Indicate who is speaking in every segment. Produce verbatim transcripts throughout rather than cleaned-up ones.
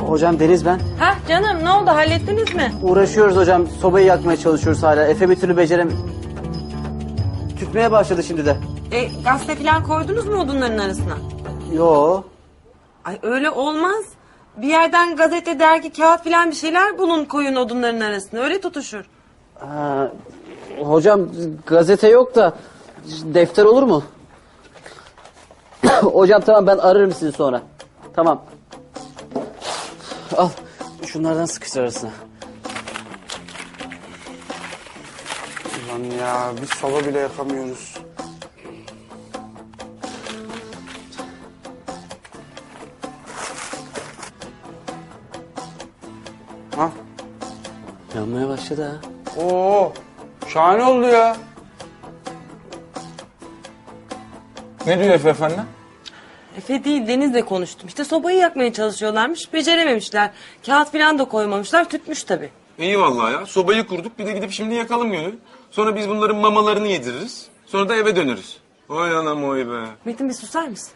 Speaker 1: Hocam Deniz ben.
Speaker 2: Ha canım ne oldu hallettiniz mi?
Speaker 1: Uğraşıyoruz hocam. Sobayı yakmaya çalışıyoruz hala. Efe bir türlü becerem... Tütmeye başladı şimdi de.
Speaker 2: E, gazete falan koydunuz mu odunların arasına?
Speaker 1: Yo.
Speaker 2: Ay öyle olmaz. Bir yerden gazete, dergi, kağıt falan bir şeyler bulun koyun odunların arasına. Öyle tutuşur.
Speaker 1: Ha, hocam gazete yok da defter olur mu? Hocam tamam ben ararım sizi sonra. Tamam. Al şunlardan sıkıştır arasına.
Speaker 3: Ulan ya biz soba bile yakamıyoruz. Ha?
Speaker 1: Yanmaya başladı ha.
Speaker 3: Oo, şahane oldu ya.
Speaker 4: Ne diyor Efe efendi?
Speaker 2: Efe değil Deniz'le konuştum. İşte sobayı yakmaya çalışıyorlarmış. Becerememişler. Kağıt falan da koymamışlar. Tütmüş tabii.
Speaker 4: İyi vallahi ya. Sobayı kurduk bir de gidip şimdi yakalım Gönül. Sonra biz bunların mamalarını yediririz. Sonra da eve döneriz. Oy anam oy be.
Speaker 2: Metin bir susar mısın?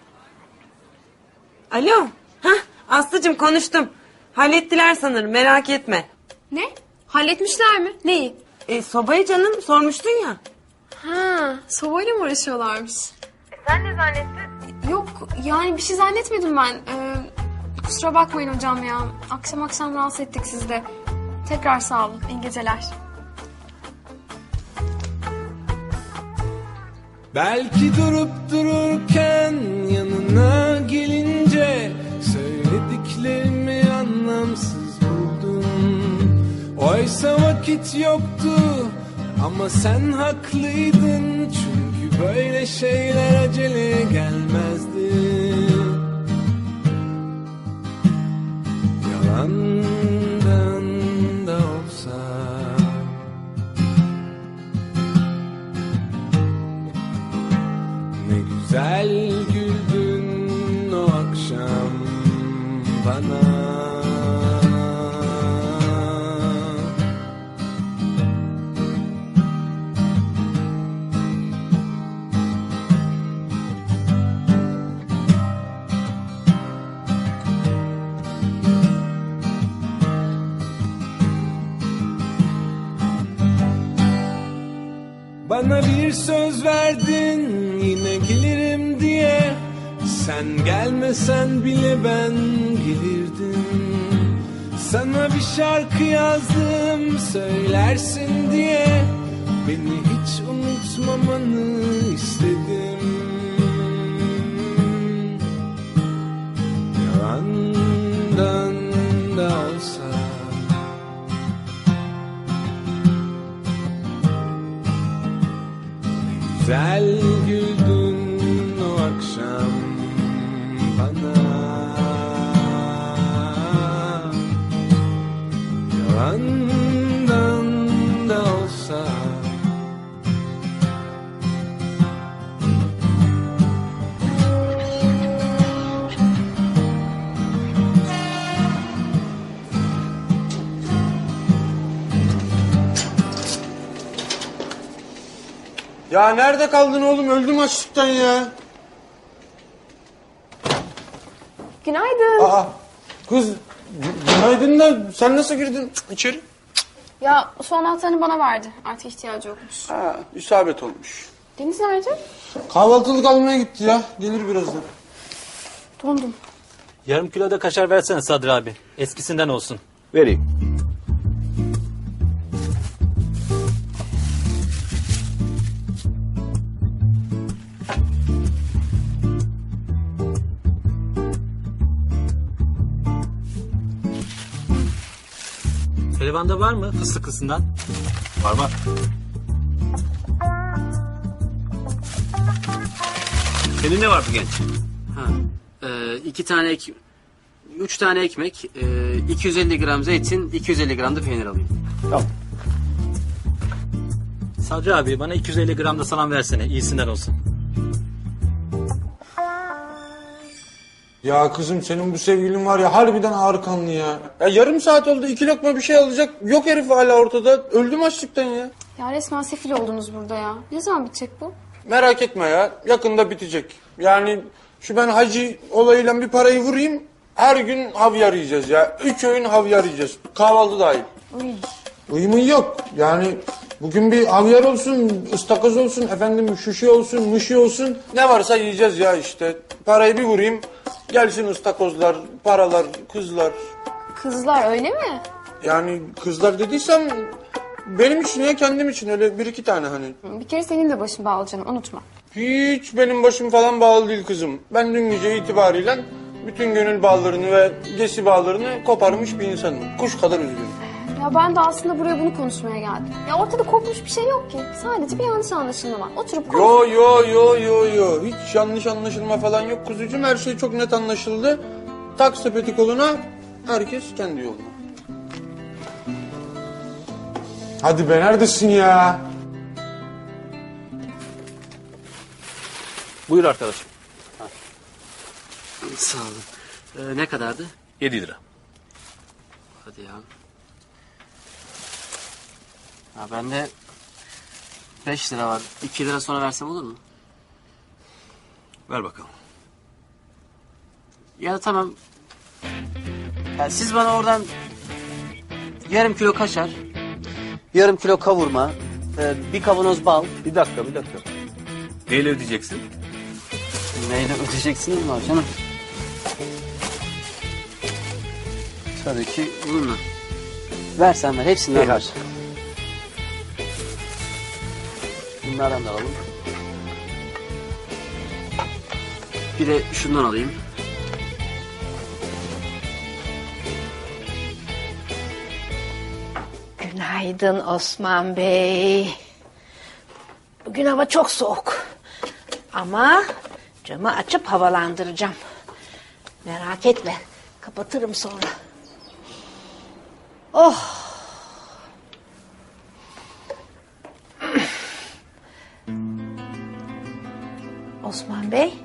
Speaker 2: Alo. Hah Aslı'cığım konuştum. Hallettiler sanırım merak etme.
Speaker 5: Ne? Halletmişler mi? Neyi?
Speaker 2: E, sobayı canım sormuştun ya.
Speaker 5: Ha, sobayla mı uğraşıyorlarmış?
Speaker 2: E, sen ne zannettin?
Speaker 5: Yok, yani bir şey zannetmedim ben. Ee, kusura bakmayın hocam ya. Akşam akşam rahatsız ettik sizi de. Tekrar sağ olun. İyi geceler.
Speaker 6: Belki durup dururken yanına gelince söylediklerimi anlamsız buldum. Oysa vakit yoktu ama sen haklıydın. Çünkü böyle şeyler acele gelmezdi. Yalandan da olsa ne güzel güldün o akşam bana. Bana bir söz verdin yine gelirim diye. Sen gelmesen bile ben gelirdim. Sana bir şarkı yazdım söylersin diye. Beni hiç unutmamanı istedim. Yalandan da olsa güzel güldün o akşam bana. Yalandan da olsa
Speaker 3: Ya nerede kaldın oğlum? Öldüm açlıktan ya.
Speaker 5: Günaydın.
Speaker 3: Aa, kız günaydın da sen nasıl girdin içeri?
Speaker 5: Ya su anahtarını bana verdi. Artık ihtiyacı yokmuş.
Speaker 3: Ha, isabet olmuş.
Speaker 5: Deniz nerede?
Speaker 3: Kahvaltılık almaya gitti ya. Gelir birazdan.
Speaker 5: Dondum.
Speaker 7: Yarım kilo da kaşar versene Sadri abi. Eskisinden olsun.
Speaker 1: Vereyim.
Speaker 7: Helvanda var mı fıstıklısından?
Speaker 4: Var var. Senin ne vardı genç?
Speaker 1: Ha, e, iki tane ek... Üç tane ekmek, e, iki yüz elli gram zeytin, iki yüz elli gram da peynir alayım.
Speaker 3: Tamam.
Speaker 7: Sadri abi bana iki yüz elli gram da salam versene. İyisinden olsun.
Speaker 3: Ya kızım senin bu sevgilin var ya harbiden ağır kanlı ya. Ya yarım saat oldu iki lokma bir şey alacak. Yok herif hala ortada. Öldüm açlıktan ya.
Speaker 5: Ya resmen sefil oldunuz burada ya. Ne zaman bitecek bu?
Speaker 3: Merak etme ya yakında bitecek. Yani şu ben hacı olayıyla bir parayı vurayım Her gün havyar yiyeceğiz ya. Üç öğün havyar yiyeceğiz. Kahvaltı dahil.
Speaker 5: Uy.
Speaker 3: Uyumun yok. Yani bugün bir havyar olsun, ıstakoz olsun, efendim şuşu olsun, mışı olsun. Ne varsa yiyeceğiz ya işte. Parayı bir vurayım. Gelsin ıstakozlar, paralar, kızlar.
Speaker 5: Kızlar öyle mi?
Speaker 3: Yani kızlar dediysem benim için ya kendim için öyle bir iki tane hani.
Speaker 5: Bir kere senin de başın bağlı canım, unutma.
Speaker 3: Hiç benim başım falan bağlı değil kızım. Ben dün gece itibariyle bütün gönül bağlarını ve gesi bağlarını koparmış bir insanım. Kuş kadar üzgünüm.
Speaker 5: Ya ben de aslında buraya bunu konuşmaya geldim. Ya ortada kopmuş bir şey yok ki. Sadece bir yanlış anlaşılma var. Oturup konuş.
Speaker 3: Yo yo yo yo yo. Hiç yanlış anlaşılma falan yok kuzucuğum. Her şey çok net anlaşıldı. Tak sepeti koluna, herkes kendi yoluna. Hadi be neredesin ya?
Speaker 7: Buyur arkadaşım.
Speaker 1: Sağ olun. Ee, ne kadardı?
Speaker 7: yedi lira.
Speaker 1: Hadi ya. Ha bende beş lira var. iki lira sonra versem olur mu?
Speaker 8: Ver bakalım.
Speaker 1: Ya tamam. Ya siz bana oradan yarım kilo kaşar, yarım kilo kavurma, e, bir kavanoz bal.
Speaker 7: Bir dakika bir dakika. Neyle ödeyeceksin?
Speaker 1: Neyle ödeyeceksiniz mi var canım? Tabii ki bununla. Versen ver, hepsinden ver. Bunlardan da alalım. Bir de şundan alayım.
Speaker 9: Günaydın Osman Bey. Bugün hava çok soğuk. Ama camı açıp havalandıracağım. Merak etme. Kapatırım sonra. Oh. Osman Bey.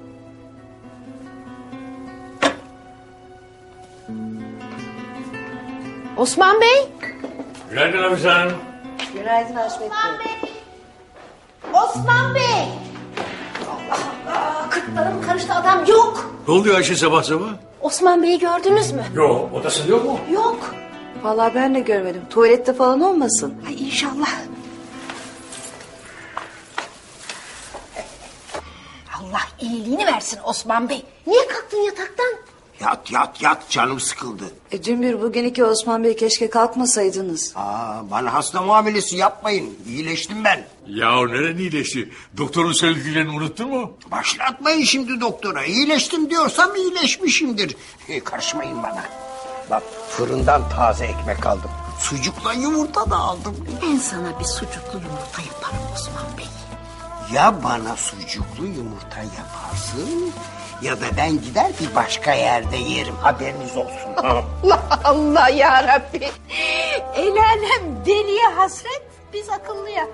Speaker 9: Osman Bey.
Speaker 8: Günaydın abi sen.
Speaker 9: Günaydın Haşmet Bey. Osman Bey. Allah Allah. Kırklarım karıştı, adam yok.
Speaker 8: Ne oluyor Ayşe sabah sabah?
Speaker 9: Osman Bey'i gördünüz mü?
Speaker 8: Yok, odasında yok mu?
Speaker 9: Yok.
Speaker 10: Vallahi ben de görmedim. Tuvalette falan olmasın.
Speaker 9: Ay inşallah. Allah iyiliğini versin Osman Bey. Niye kalktın yataktan?
Speaker 11: Yat yat yat canım sıkıldı.
Speaker 10: E, Cümbür bugün iki Osman Bey keşke kalkmasaydınız.
Speaker 11: Aa, bana hasta muamelesi yapmayın. İyileştim ben.
Speaker 8: Ya neren iyileşti? Doktorun söylediklerini unuttun mu?
Speaker 11: Başlatmayın şimdi doktora. İyileştim diyorsam iyileşmişimdir. E, karışmayın bana. Bak fırından taze ekmek aldım. Sucukla yumurta da aldım.
Speaker 9: Ben sana bir sucuklu yumurta yaparım Osman Bey.
Speaker 11: Ya bana sucuklu yumurta yaparsın... ...ya da ben gider bir başka yerde yerim. Haberiniz olsun.
Speaker 9: Allah Allah ya Rabbi. El alem deliye hasret, biz akıllıya.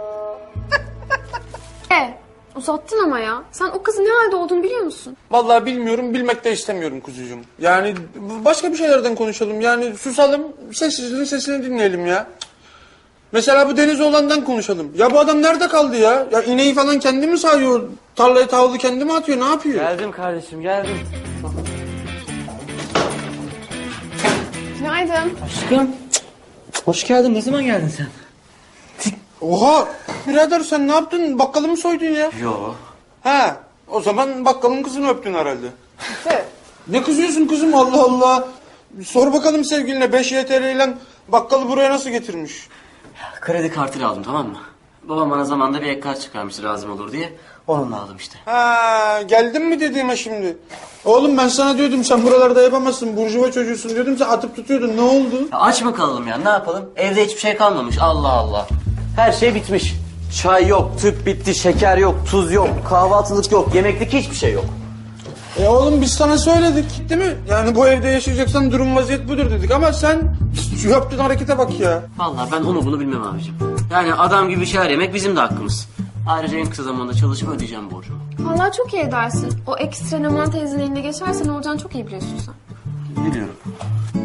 Speaker 5: E, uzattın ama ya. Sen o kızın ne halde olduğunu biliyor musun?
Speaker 3: Vallahi bilmiyorum, bilmek de istemiyorum kuzucuğum. Yani başka bir şeylerden konuşalım. Yani susalım, sessizliğin sesini dinleyelim ya. Mesela bu Denizoğlan'dan konuşalım. Ya bu adam nerede kaldı ya? Ya ineği falan kendi mi sağıyor? Tarlaya tavlı kendi mi atıyor? Ne yapıyor?
Speaker 1: Geldim kardeşim, geldim.
Speaker 5: Günaydın.
Speaker 1: Aşkım. Hoş geldin. Ne zaman geldin sen?
Speaker 3: Oha! Birader sen ne yaptın? Bakkalı mı soydun ya?
Speaker 1: Yo.
Speaker 3: Ha, o zaman bakkalın kızını öptün herhalde. Ne kızıyorsun kızım Allah Allah? Sor bakalım sevgiline beş Y T L ile bakkalı buraya nasıl getirmiş?
Speaker 1: Kredi kartıyla aldım, tamam mı? Babam bana zamanında bir ek kart çıkarmıştı lazım olur diye. Onunla aldım işte.
Speaker 3: Ha, geldin mi dediğime şimdi? Oğlum ben sana diyordum sen buralarda yapamazsın. Burjuva çocuğusun diyordum sen atıp tutuyordun. Ne oldu?
Speaker 1: Ya aç mı kalalım ya, ne yapalım? Evde hiçbir şey kalmamış, Allah Allah. Her şey bitmiş. Çay yok, tüp bitti, şeker yok, tuz yok, kahvaltılık yok, yemeklik hiçbir şey yok.
Speaker 3: E oğlum biz sana söyledik değil mi? Yani bu evde yaşayacaksan durum vaziyet budur dedik ama sen şu yaptığın harekete bak ya.
Speaker 1: Vallahi ben onu bunu bilmem abicim. Yani adam gibi şeyler yemek bizim de hakkımız. Ayrıca en kısa zamanda çalışıp ödeyeceğim borcumu.
Speaker 5: Vallahi çok iyi edersin. O ekstra Neman teyzenin eline geçerse ne olacağını çok iyi biliyorsun sen.
Speaker 1: Biliyorum.